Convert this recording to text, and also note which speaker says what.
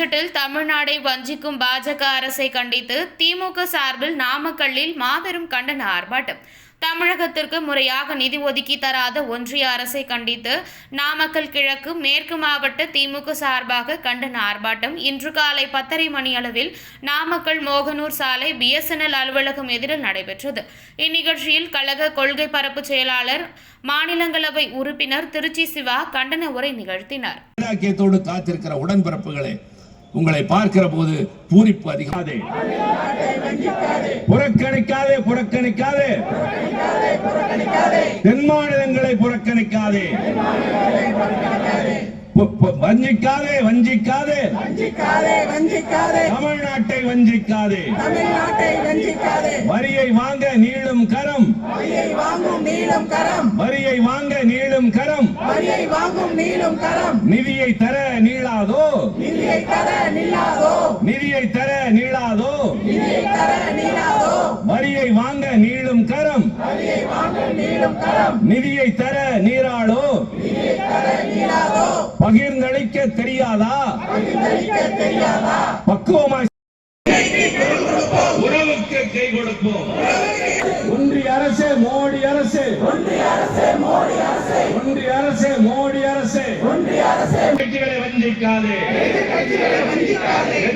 Speaker 1: பட்ஜெட்டில் தமிழ்நாடை வஞ்சிக்கும் பாஜக அரசை கண்டித்து திமுக சார்பில் நாமக்கல்லில் மாபெரும் கண்டன ஆர்ப்பாட்டம். தமிழகத்திற்கு முறையாக நிதி ஒதுக்கி தராத ஒன்றிய அரசை கண்டித்து நாமக்கல் கிழக்கு மேற்கு மாவட்ட திமுக சார்பாக கண்டன ஆர்ப்பாட்டம் இன்று காலை 10:30 மணி அளவில் நாமக்கல் மோகனூர் சாலை BSNL அலுவலகம் எதிரில் நடைபெற்றது. இந்நிகழ்ச்சியில் கழக கொள்கை பரப்பு செயலாளர் மாநிலங்களவை உறுப்பினர் திருச்சி சிவா கண்டன உரை நிகழ்த்தினார்.
Speaker 2: காத்திருக்கிற உடன்பிறப்புகளே, உங்களை பார்க்கிற போது பூரிப்பு அதிகமாதே, புறக்கணிக்காதே, புறக்கணிக்காதே, தென் மாநிலங்களை புறக்கணிக்காதே, வஞ்சிக்காதே, வஞ்சிக்காதே, தமிழ்நாட்டை வஞ்சிக்காதே, வரியை வாங்க நீளும் கரம், வரியை வாங்க நீளும் கரம், நிதியை தர நீளாதோ, நிதியை தர நீளாதோ, வரியை வாங்க நீளும் கரம், நிதியை தர நீராளோ, பகிர்ந்தளிக்க தெரியாதா, பக்குவமாய் உறவுக்கு கை கொடுப்போம். ஒன்றிய அரசே, மோடி அரசே, ஒன்றிய அரசே, மோடி அரசே, கட்சிகளை வஞ்சிக்காதே.